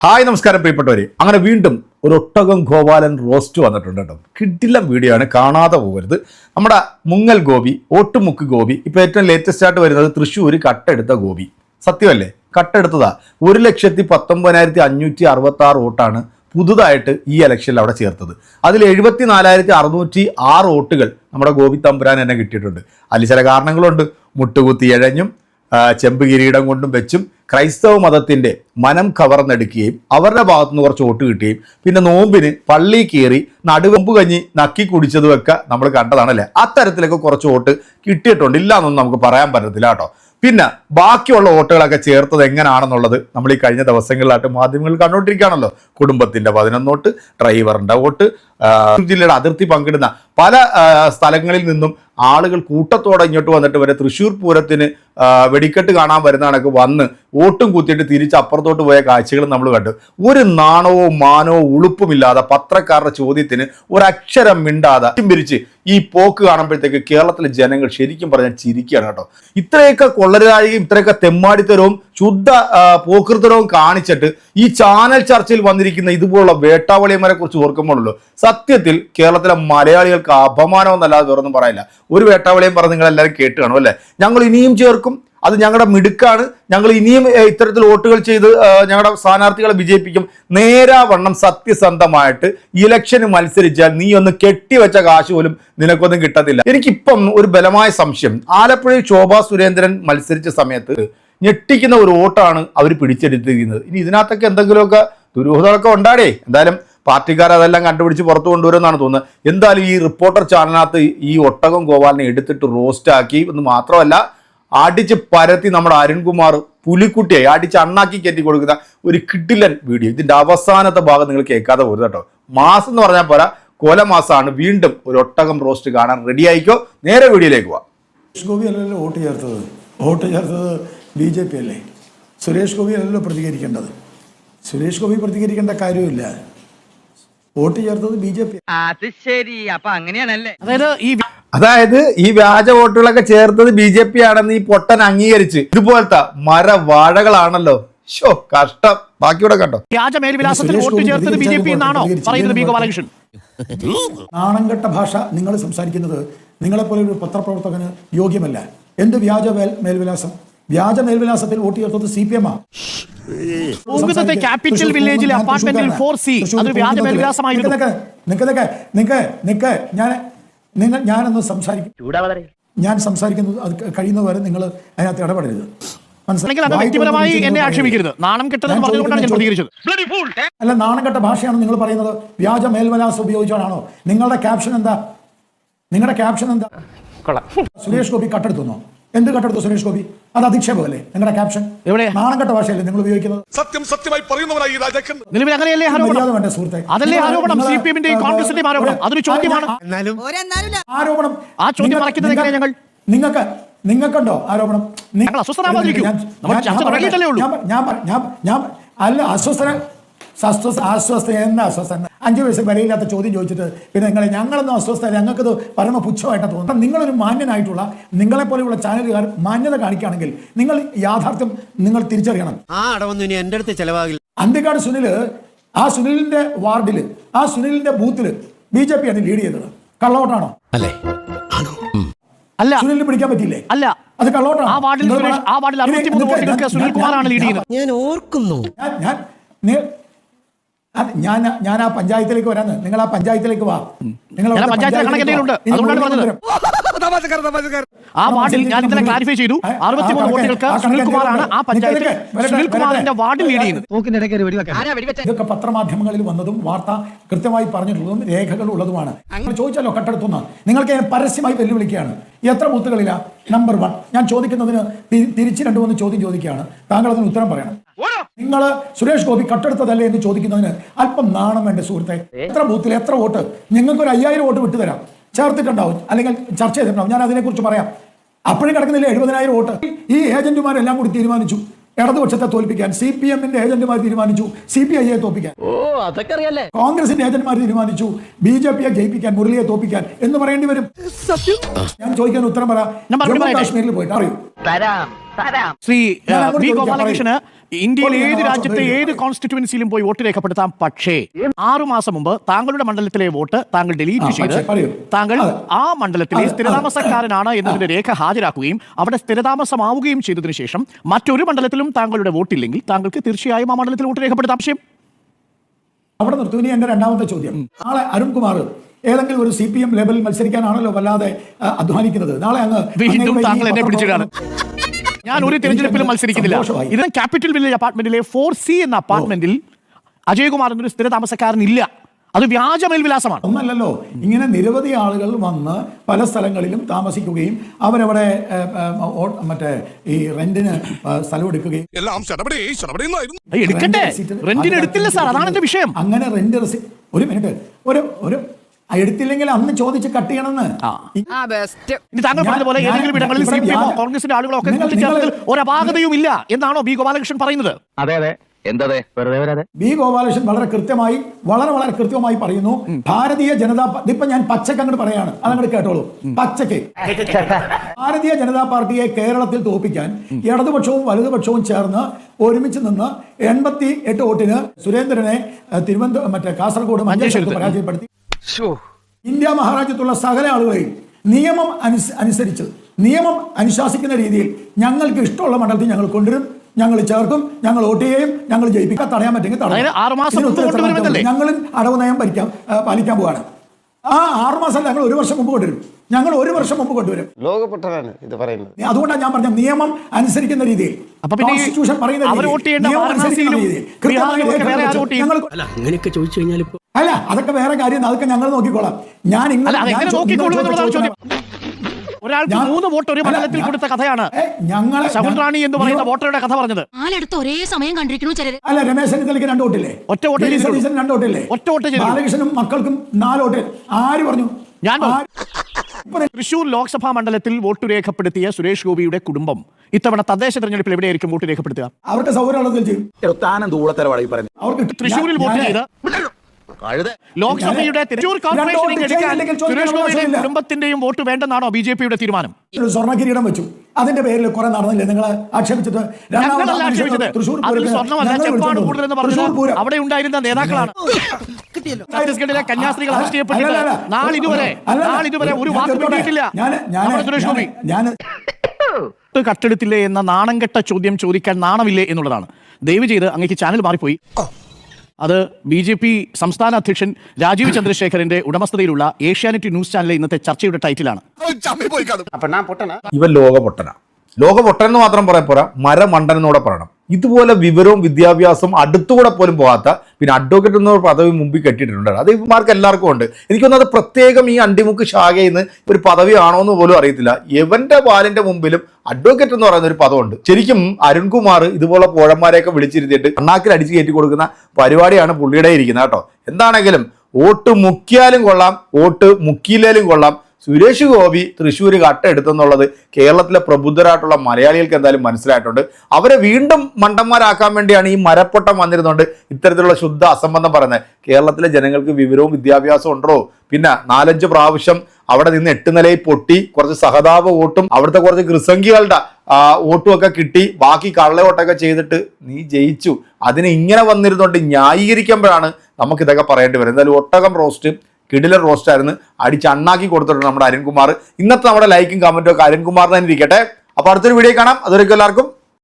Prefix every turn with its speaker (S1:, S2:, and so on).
S1: Hi നമസ്കാരം പ്രിയപ്പെട്ടവരെ. അങ്ങനെ വീണ്ടും ഒരു ഒട്ടകം ഗോപാലൻ റോസ്റ്റ് വന്നിട്ടുണ്ട് കേട്ടോ. കിടിലം വീഡിയോ ആണ്, കാണാതെ പോകരുത്. നമ്മുടെ മുങ്ങൽ ഗോപി, ഓട്ടുമുക്ക് ഗോപി, ഇപ്പോൾ ഏറ്റവും ലേറ്റസ്റ്റ് ആയിട്ട് വരുന്നത് തൃശ്ശൂർ കട്ടെടുത്ത ഗോപി. സത്യമല്ലേ? കട്ടെടുത്തതാ 1,19,566 വോട്ടാണ് പുതുതായിട്ട് ഈ ഇലക്ഷനിൽ അവിടെ ചേർത്തത്. അതിൽ 74,606 വോട്ടുകൾ നമ്മുടെ ഗോപി തമ്പുരാൻ തന്നെ കിട്ടിയിട്ടുണ്ട്. അതിൽ ചില കാരണങ്ങളുണ്ട്. മുട്ടുകുത്തി ഇഴഞ്ഞും ചെമ്പ് കിരീടം കൊണ്ടും വെച്ചും ക്രൈസ്തവ മതത്തിൻ്റെ മനം കവർന്നെടുക്കുകയും അവരുടെ ഭാഗത്തുനിന്ന് കുറച്ച് വോട്ട് കിട്ടുകയും പിന്നെ നോമ്പിന് പള്ളി കയറി നടുവമ്പ് കഞ്ഞി നക്കി കുടിച്ചതുമൊക്കെ നമ്മൾ കണ്ടതാണല്ലേ. അത്തരത്തിലൊക്കെ കുറച്ച് വോട്ട് കിട്ടിയിട്ടുണ്ട്, ഇല്ല എന്നൊന്നും നമുക്ക് പറയാൻ പറ്റത്തില്ല കേട്ടോ. പിന്നെ ബാക്കിയുള്ള വോട്ടുകളൊക്കെ ചേർത്തത് എങ്ങനെയാണെന്നുള്ളത് നമ്മൾ ഈ കഴിഞ്ഞ ദിവസങ്ങളിലായിട്ട് മാധ്യമങ്ങൾ കണ്ടുകൊണ്ടിരിക്കുകയാണല്ലോ. കുടുംബത്തിൻ്റെ 11 വോട്ട്, ഡ്രൈവറിൻ്റെ വോട്ട്, ജില്ലയുടെ അതിർത്തി പങ്കിടുന്ന പല സ്ഥലങ്ങളിൽ നിന്നും ആളുകൾ കൂട്ടത്തോടെ ഇങ്ങോട്ട് വന്നിട്ട് വരെ തൃശ്ശൂർ പൂരത്തിന് വെടിക്കെട്ട് കാണാൻ വരുന്ന കണക്ക് വന്ന് വോട്ടും കുത്തിയിട്ട് തിരിച്ച് അപ്പുറത്തോട്ട് പോയ കാഴ്ചകൾ നമ്മൾ കണ്ടു. ഒരു നാണവോ മാനവോ ഉളുപ്പുമില്ലാതെ പത്രക്കാരുടെ ചോദ്യത്തിന് ഒരക്ഷരം മിണ്ടാതെ പിരിച്ച് ഈ പോക്ക് കാണുമ്പോഴത്തേക്ക് കേരളത്തിലെ ജനങ്ങൾ ശരിക്കും പറഞ്ഞാൽ ചിരിക്കുകയാണ് കേട്ടോ. ഇത്രയൊക്കെ കൊള്ളരുതാഴികയും ഇത്രയൊക്കെ തെമ്മാടിത്തരവും ശുദ്ധ പോക്കൃത്തരവും കാണിച്ചിട്ട് ഈ ചാനൽ ചർച്ചയിൽ വന്നിരിക്കുന്ന ഇതുപോലുള്ള വേട്ടാവളിയന്മാരെ കുറിച്ച് ഓർക്കുമ്പോഴല്ലോ സത്യത്തിൽ കേരളത്തിലെ മലയാളികൾക്ക് അപമാനം എന്നല്ലാതെ വേറൊന്നും പറയില്ല. ഒരു വേട്ടാവളിയും പറഞ്ഞ് നിങ്ങൾ എല്ലാവരും കേട്ട് കാണും അല്ലേ. ഞങ്ങൾ ഇനിയും ചേർക്കും, അത് ഞങ്ങളുടെ മിടുക്കാണ്, ഞങ്ങൾ ഇനിയും ഇത്തരത്തിൽ വോട്ടുകൾ ചെയ്ത് ഞങ്ങളുടെ സ്ഥാനാർത്ഥികളെ വിജയിപ്പിക്കും. നേരാവണ്ണം സത്യസന്ധമായിട്ട് ഇലക്ഷന് മത്സരിച്ചാൽ നീ ഒന്ന് കെട്ടിവെച്ച കാശ് പോലും നിനക്കൊന്നും കിട്ടത്തില്ല. എനിക്കിപ്പം ഒരു ബലമായ സംശയം, ആലപ്പുഴയിൽ ശോഭാ സുരേന്ദ്രൻ മത്സരിച്ച സമയത്ത് ഞെട്ടിക്കുന്ന ഒരു വോട്ടാണ് അവർ പിടിച്ചെടുത്തിരിക്കുന്നത്. ഇനി ഇതിനകത്തൊക്കെ എന്തെങ്കിലുമൊക്കെ ദുരൂഹതകളൊക്കെ ഉണ്ടാടേ. എന്തായാലും പാർട്ടിക്കാർ അതെല്ലാം കണ്ടുപിടിച്ച് പുറത്തു കൊണ്ടുവരുമെന്നാണ് തോന്നുന്നത്. എന്തായാലും ഈ റിപ്പോർട്ടർ ചാനലിനകത്ത് ഈ ഒട്ടകം ഗോപാലിനെ എടുത്തിട്ട് റോസ്റ്റ് ആക്കി എന്ന് മാത്രമല്ല അടിച്ച് പരത്തി നമ്മുടെ അരുൺകുമാർ പുലിക്കുട്ടിയായി അടിച്ച് അണ്ണാക്കി കയറ്റി കൊടുക്കുന്ന ഒരു കിടിലൻ വീഡിയോ. ഇതിന്റെ അവസാനത്തെ ഭാഗം നിങ്ങൾ കേൾക്കാതെ പോരുത് കേട്ടോ. മാസം എന്ന് പറഞ്ഞാൽ പോരാ, കൊലമാസമാണ്. വീണ്ടും ഒരു ഒട്ടകം റോസ്റ്റ് കാണാൻ റെഡി ആയിക്കോ. നേരെ വീഡിയോയിലേക്ക് പോവാം.
S2: സുരേഷ് ഗോപി അല്ലല്ലോ വോട്ട് ചേർത്തത് BJP അല്ലേ. സുരേഷ് ഗോപി അല്ലല്ലോ പ്രതികരിക്കേണ്ടത്. സുരേഷ് ഗോപി പ്രതികരിക്കേണ്ട കാര്യമില്ല. വോട്ട് ചേർത്തത് BJP.
S3: അത് ശരി, അപ്പൊ അങ്ങനെയാണല്ലേ.
S1: അതായത് ഈ വ്യാജ വോട്ടുകളൊക്കെ ചേർത്തത് BJP ആണെന്ന് ഈ പൊട്ടൻ അംഗീകരിച്ച് ഇതുപോലത്തെ മരവാഴകളാണല്ലോ. ഷോ കഷ്ടം. ബാക്കിയൂടെ കണ്ടോ.
S4: വ്യാജ മേൽവിലാസത്തിൽ വോട്ട് ചേർത്തത് BJP എന്നാണോ പറയുന്നത് ബി ഗോപാലകൃഷ്ണൻ?
S2: നാണംകെട്ട ഭാഷ നിങ്ങൾ സംസാരിക്കുന്നത് നിങ്ങളെപ്പോലെ ഒരു പത്രപ്രവർത്തകന് യോഗ്യമല്ല. എന്ത് വ്യാജ മേൽവിലാസം? വ്യാജ മേൽവിലാസത്തിൽ വോട്ട് ചേർത്തത് CPM ആണ്.
S4: ക്യാപിറ്റൽ വില്ലേജിലെ അപ്പാർട്ട്മെന്റിൽ 4C അത് വ്യാജ മേൽവിലാസമായിരുന്നു.
S2: ഞാനൊന്ന് സംസാരിക്കും. ഞാൻ സംസാരിക്കുന്നത് അത് കഴിയുന്നവരെ നിങ്ങൾ അതിനകത്ത് ഇടപെടരുത്.
S4: വ്യക്തിപരമായി എന്നെ ആക്ഷേപിക്കരുത്. നാണം കെട്ടതെന്ന് പറഞ്ഞുകൊണ്ടാണ് ഞാൻ പ്രതികരിച്ചത്.
S2: അല്ല, നാണം കെട്ട ഭാഷയാണ് നിങ്ങൾ പറയുന്നത്. വ്യാജ മേൽവിലാസം ഉപയോഗിച്ചാണോ? നിങ്ങളുടെ ക്യാപ്ഷൻ എന്താ? സുരേഷ് ഗോപി കട്ടെടുത്തുന്നോ? എന്ത് കട്ടെടുത്തു സുരേഷ് ഗോപി? അത് അധിക്ഷേപമല്ലേ നിങ്ങളുടെ ക്യാപ്ഷൻ? നാണംകെട്ട ഭാഷയല്ലേ നിങ്ങൾ ഉപയോഗിക്കുന്നത്?
S5: സത്യമായി പറയുന്നവരായി
S4: നിലവിൽ അങ്ങനെയല്ലേ ആരോപണം?
S2: സുഹൃത്തെ,
S4: അതല്ലേ ആരോപണം? CPM-ന്റെയും കോൺഗ്രസിന്റെയും ആരോപണം. അതൊരു ചോദ്യമാണ്.
S2: ആരോപണം
S4: ആ ചോദ്യം മറയ്ക്കുന്നത് എങ്ങനെയാ? ഞങ്ങൾ
S2: നിങ്ങൾക്കുണ്ടോ ആരോപണം? അല്ല, അസ്വസ്ഥ എന്താ അസ്വസ്ഥ? 5 വയസ്സ് വരെയില്ലാത്ത ചോദ്യം ചോദിച്ചിട്ട് പിന്നെ ഞങ്ങളൊന്നും അസ്വസ്ഥ, ഞങ്ങൾക്കത് പരമ പുച്ഛമായിട്ടാണ് തോന്നുന്നത്. നിങ്ങളൊരു മാന്യനായിട്ടുള്ള നിങ്ങളെപ്പോലെയുള്ള ചാനലുകാർ മാന്യത കാണിക്കുകയാണെങ്കിൽ നിങ്ങൾ യാഥാർത്ഥ്യം നിങ്ങൾ തിരിച്ചറിയണം. അന്തിക്കാട് സുനില്, ആ സുനിലിന്റെ വാർഡില്, ആ സുനിലിന്റെ ബൂത്തില് BJP ആണ് ലീഡ് ചെയ്തത്. കള്ളവോട്ടാണോ?
S4: അല്ല,
S2: സുനിലിന് പിടിക്കാൻ പറ്റില്ലേ?
S4: അല്ല,
S2: അത് കള്ളവോട്ടാണ്.
S4: ആ വാർഡിൽ 63 വോട്ടുകൾക്ക് സുനിൽകുമാറാണ് ലീഡ് ചെയ്യുന്നത്.
S6: ഞാൻ ഓർക്കുന്നു.
S2: ഞാൻ ആ പഞ്ചായത്തിലേക്ക് വരാന്ന്. നിങ്ങൾ ആ പഞ്ചായത്തിലേക്ക് വാ. നിങ്ങൾ
S4: ആ വാർഡിൽ ഞാൻ ഇന്നലെ ക്ലാരിഫൈ ചെയ്തു. 63 വോട്ടുകൾക്ക് സുനിൽകുമാറാണ് ആ പഞ്ചായത്തിൽ സുനിൽകുമാറിന്റെ വാർഡിൽ ലീഡ് ചെയ്യുന്നത്.
S2: ഇതൊക്കെ പത്രമാധ്യമങ്ങളിൽ വന്നതും വാർത്ത കൃത്യമായി പറഞ്ഞിട്ടുള്ളതും രേഖകൾ ഉള്ളതുമാണ്. നിങ്ങൾ ചോദിച്ചല്ലോ കട്ടെടുത്തുന്ന. നിങ്ങൾക്ക് പരസ്യമായി വെല്ലുവിളിക്കുകയാണ്. എത്ര ബൂത്തുകളിലാ? നമ്പർ 1. ഞാൻ ചോദിക്കുന്നതിന് തിരിച്ച് 2-3 ചോദ്യം ചോദിക്കുകയാണ്. താങ്കൾ അതിന് ഉത്തരം പറയണം. നിങ്ങൾ സുരേഷ് ഗോപി കട്ടെടുത്തതല്ലേ എന്ന് ചോദിക്കുന്നതിന് അല്പം നാണം വേണ്ട സുഹൃത്തെ. എത്ര ബൂത്തിൽ എത്ര വോട്ട്? നിങ്ങൾക്ക് ഒരു 5000 വോട്ട് വിട്ടുതരാം. ചേർത്തിട്ടുണ്ടാവും, അല്ലെങ്കിൽ ചർച്ച ചെയ്തിട്ടുണ്ടാവും. ഞാൻ അതിനെക്കുറിച്ച് പറയാം. അപ്പോഴും കിടക്കുന്നില്ല 70,000 വോട്ട്. ഈ ഏജന്റുമാരെല്ലാം കൂടി തീരുമാനിച്ചു ഇടതുപക്ഷത്തെ തോൽപ്പിക്കാൻ. CPM-ന്റെ ഏജന്റുമാർ തീരുമാനിച്ചു CPI-യെ തോൽപ്പിക്കാൻ. കോൺഗ്രസിന്റെ ഏജന്റുമാർ തീരുമാനിച്ചു BJP-യെ ജയിപ്പിക്കാൻ, മുരളിയെ തോൽപ്പിക്കാൻ എന്ന് പറയേണ്ടി വരും. ഞാൻ ചോദിക്കാൻ ഉത്തരം പറ. ജമ്മു കാശ്മീരിൽ പോയിട്ട് അറിയൂ.
S4: ശ്രീ ബി ഗോപാലകൃഷ്ണന് ഇന്ത്യയിൽ ഏത് രാജ്യത്തെ ഏത് കോൺസ്റ്റിറ്റ്യുവൻസിയിലും പോയി വോട്ട് രേഖപ്പെടുത്താം. പക്ഷേ 6 മാസം മുമ്പ് താങ്കളുടെ മണ്ഡലത്തിലെ വോട്ട് താങ്കൾ ഡിലീറ്റ് ചെയ്ത് താങ്കൾ ആ മണ്ഡലത്തിലെ സ്ഥിരതാമസക്കാരനാണ് എന്നതിന്റെ രേഖ ഹാജരാക്കുകയും അവിടെ സ്ഥിരതാമസമാവുകയും ചെയ്തതിനു ശേഷം മറ്റൊരു മണ്ഡലത്തിലും താങ്കളുടെ വോട്ടില്ലെങ്കിൽ താങ്കൾക്ക് തീർച്ചയായും ആ മണ്ഡലത്തിൽ വോട്ട് രേഖപ്പെടുത്താം. പക്ഷേ
S2: അവിടെ നിർത്തും. ഇനി എന്റെ രണ്ടാമത്തെ ചോദ്യം, നാളെ അരുൺകുമാർ ഏതെങ്കിലും ഒരു CPM ലെവലിൽ മത്സരിക്കാനാണല്ലോ വല്ലാതെ അധ്വാനിക്കുന്നത്. നാളെ
S4: വീണ്ടും താങ്കൾ എന്നെ പിടിച്ചിടാണ്. ഞാൻ ഒരു തെരഞ്ഞെടുപ്പിലും മത്സരിക്കുന്നില്ല. ഇത് ക്യാപിറ്റൽ വില്ലേജ് അപ്പാർട്ട്മെന്റിലെ 4C എന്ന അപ്പാർട്ട്മെന്റിൽ അജയ്കുമാർ എന്നൊരു സ്ഥിര താമസക്കാരൻ ഇല്ല. അത് വ്യാജ മേൽവിലാസമാണ്.
S2: ഒന്നല്ലല്ലോ, ഇങ്ങനെ നിരവധി ആളുകൾ വന്ന് പല സ്ഥലങ്ങളിലും താമസിക്കുകയും അവരവിടെ മറ്റേ ഈ റെന്റിന് സ്ഥലം എടുക്കുകയും
S4: എടുക്കട്ടെ, റെന്റിന് എടുത്തില്ല സാർ, അതാണ് എന്റെ വിഷയം.
S2: അങ്ങനെ റെന്റ് ഒരു മിനിറ്റ് ഒരു എടുത്തില്ലെങ്കിൽ അന്ന് ചോദിച്ച് കട്ട് ചെയ്യണമെന്ന്.
S4: ഇനി താങ്കൾ പറഞ്ഞതുപോലെ ഏതെങ്കിലും ഇടങ്ങളിൽ CPM കോൺഗ്രസിന്റെ ആളുകളോ ഒക്കെ കൂട്ടിച്ചേർത്തതിൽ ഒരു അപാകതയും ഇല്ല എന്നാണോ ബി ഗോപാലകൃഷ്ണൻ പറയുന്നത്?
S3: അതെ അതെ, എന്തതെ വെറുതെ വരാതെ.
S2: ബി ഗോപാലകൃഷ്ണൻ വളരെ കൃത്യമായി പറയുന്നു, ഭാരതീയ ജനതാ ഇപ്പൊ ഞാൻ പച്ചക്ക് അങ്ങോട്ട് പറയാണ്, അതങ്ങോട്ട് കേട്ടോളൂ. പച്ചക്ക് ഭാരതീയ ജനതാ പാർട്ടിയെ കേരളത്തിൽ തോൽപ്പിക്കാൻ ഇടതുപക്ഷവും വലതുപക്ഷവും ചേർന്ന് ഒരുമിച്ച് നിന്ന് 88 വോട്ടിന് സുരേന്ദ്രനെ മറ്റേ കാസർഗോഡ് മഞ്ചേശ്വരത്ത് പരാജയപ്പെടുത്തി. ഇന്ത്യ മഹാരാജ്യത്തുള്ള സകല ആളുകളെയും നിയമം അനുസരിച്ച് നിയമം അനുശാസിക്കുന്ന രീതിയിൽ ഞങ്ങൾക്ക് ഇഷ്ടമുള്ള മണ്ഡലത്തിൽ ഞങ്ങൾ കൊണ്ടുവരും, ഞങ്ങൾ ചേർക്കും, ഞങ്ങൾ വോട്ട് ചെയ്യും, ഞങ്ങൾ ജയിപ്പിക്കാൻ തടയാൻ പറ്റുമെങ്കിൽ ഞങ്ങളും അടവ് നയം പാലിക്കാൻ പോവാണ്. ആ 6 മാസം ഞങ്ങൾ 1 വർഷം മുമ്പ് കൊണ്ടുവരും. ഞങ്ങൾ 1 വർഷം മുമ്പ് കൊണ്ടുവരും.
S5: ലോകപ്പെട്ടതാണ് ഇത് പറയുന്നത്.
S2: അതുകൊണ്ടാണ് ഞാൻ പറഞ്ഞ നിയമം അനുസരിക്കുന്ന രീതിയിൽ, കോൺസ്റ്റിറ്റ്യൂഷൻ പറയുന്ന അല്ല, അതൊക്കെ വേറെ കാര്യം, അതൊക്കെ ഞങ്ങൾ നോക്കിക്കോളാം.
S4: ഒരാൾക്ക് 3 വോട്ട് ഒരു മണ്ഡലത്തിൽ കൊടുത്ത കഥയാണ് ശകുൻറാണി എന്ന് പറയുന്ന വോട്ടറുടെ കഥ പറഞ്ഞത്.
S6: ഒരേ സമയം കണ്ടിരിക്കുന്നു ചിലര്.
S2: അല്ല, രമേശ് ചെന്നിത്തലയ്ക്ക് 2 വോട്ടില്ലേ?
S4: ഒറ്റ വോട്ട്.
S2: 2 വോട്ടില്ലേ?
S4: ഒറ്റ വോട്ട്.
S2: ബാലകൃഷ്ണനും മക്കൾക്കും 4 വോട്ട്. ആര് പറഞ്ഞു?
S4: ഞാൻ തൃശൂർ ലോക്സഭാ മണ്ഡലത്തിൽ വോട്ട് രേഖപ്പെടുത്തിയ സുരേഷ് ഗോപിയുടെ കുടുംബം ഇത്തവണ തദ്ദേശ തെരഞ്ഞെടുപ്പിൽ എവിടെയായിരിക്കും വോട്ട് രേഖപ്പെടുത്തുക?
S2: അവർക്ക് സൗകര്യമുള്ളതിൽ ചെയ്യും. അവർക്ക്
S4: തൃശൂരിൽ വോട്ട് ചെയ്ത് ലോക്സഭയുടെ തൃശൂർ കോർപ്പറേഷൻ സുരേഷ് ഗോപിയുടെയും കുടുംബത്തിന്റെയും വോട്ട് വേണ്ടെന്നാണോ BJPയുടെ തീരുമാനം?
S2: സ്വർണ്ണ കിരീടം വെച്ചു, അതിന്റെ പേരിൽ കുറെ നടന്നില്ലേ നിങ്ങൾ ആക്ഷേപിച്ചിട്ട്?
S4: അവിടെ ഉണ്ടായിരുന്ന നേതാക്കളാണ്. ഛത്തീസ്ഗഡിലെ കന്യാസ്ത്രീകൾ അറസ്റ്റ് ചെയ്യപ്പെട്ടിട്ട് നാളിതുവരെ ഒരു വാക്ക് കിട്ടിയിട്ടില്ല സുരേഷ് ഗോപി. കട്ടെടുത്തില്ലേ എന്ന നാണംകെട്ട ചോദ്യം ചോദിക്കാൻ നാണമില്ലേ എന്നുള്ളതാണ്. ദയവ് ചെയ്ത് അങ്ങേക്ക് ചാനൽ മാറിപ്പോയി. അത് BJP സംസ്ഥാന അധ്യക്ഷൻ രാജീവ് ചന്ദ്രശേഖരന്റെ ഉടമസ്ഥതയിലുള്ള ഏഷ്യാനെറ്റ് ന്യൂസ് ചാനലിലെ ഇന്നത്തെ ചർച്ചയുടെ ടൈറ്റിലാണ്.
S1: ഇവൻ ലോകപൊട്ടൻ എന്ന് മാത്രം പറയാൻ പോരാ, മരമണ്ടൻ എന്നൂടെ പറയണം. ഇതുപോലെ വിവരവും വിദ്യാഭ്യാസവും അടുത്തുകൂടെ പോലും പോകാത്ത പിന്നെ അഡ്വക്കേറ്റ് എന്ന പദവി മുമ്പിൽ കെട്ടിയിട്ടുണ്ട്. അത് ഇവന്മാർക്ക് എല്ലാവർക്കും ഉണ്ട്. എനിക്കൊന്നും അത് പ്രത്യേകം ഈ അണ്ടിമുക്ക് ശാഖയിൽ നിന്ന് ഒരു പദവി ആണോ എന്ന് പോലും അറിയത്തില്ല. എവന്റെ പാലിന്റെ മുമ്പിലും അഡ്വക്കേറ്റ് എന്ന് പറയുന്ന ഒരു പദമുണ്ട്. ശരിക്കും അരുൺകുമാർ ഇതുപോലെ പോഴന്മാരെയൊക്കെ വിളിച്ചിരുത്തിയിട്ട് കണ്ണാക്കിൽ അടിച്ച് കയറ്റി കൊടുക്കുന്ന പരിപാടിയാണ് പുള്ളിയുടെ ഇരിക്കുന്നത് കേട്ടോ. എന്താണെങ്കിലും വോട്ട് മുക്കിയാലും കൊള്ളാം, വോട്ട് മുക്കിയില്ലേലും കൊള്ളാം, സുരേഷ് ഗോപി തൃശ്ശൂർ കട്ടെടുത്തെന്നുള്ളത് കേരളത്തിലെ പ്രബുദ്ധരായിട്ടുള്ള മലയാളികൾക്ക് എന്തായാലും മനസ്സിലായിട്ടുണ്ട്. അവരെ വീണ്ടും മണ്ടന്മാരാക്കാൻ വേണ്ടിയാണ് ഈ മരപ്പൊട്ടം വന്നിരുന്നുകൊണ്ട് ഇത്തരത്തിലുള്ള ശുദ്ധ അസംബന്ധം പറയുന്നത്. കേരളത്തിലെ ജനങ്ങൾക്ക് വിവരവും വിദ്യാഭ്യാസവും ഉണ്ടോ? പിന്നെ 4-5 പ്രാവശ്യം അവിടെ നിന്ന് 8 നിലയിൽ പൊട്ടി കുറച്ച് സഹതാപ വോട്ടും അവിടുത്തെ കുറച്ച് കൃസംഖികളുടെ വോട്ടും ഒക്കെ കിട്ടി, ബാക്കി കള്ളവോട്ടൊക്കെ ചെയ്തിട്ട് നീ ജയിച്ചു. അതിന് ഇങ്ങനെ വന്നിരുന്നുകൊണ്ട് ന്യായീകരിക്കുമ്പോഴാണ് നമുക്കിതൊക്കെ പറയേണ്ടി വരും. എന്തായാലും ഒട്ടകം റോസ്റ്റ് കിടിലൻ റോസ്റ്റായിരുന്നു, അടിച്ചണ്ണാക്കി കൊടുത്തിട്ടുണ്ട് നമ്മുടെ അരുൺകുമാർ. ഇന്നത്തെ നമ്മുടെ ലൈക്കും കമന്റും ഒക്കെ അരുൺകുമാറിന് തന്നെ ഇരിക്കട്ടെ. അപ്പോൾ അടുത്തൊരു വീഡിയോ കാണാം. അതുവരെയ്ക്കും എല്ലാവർക്കും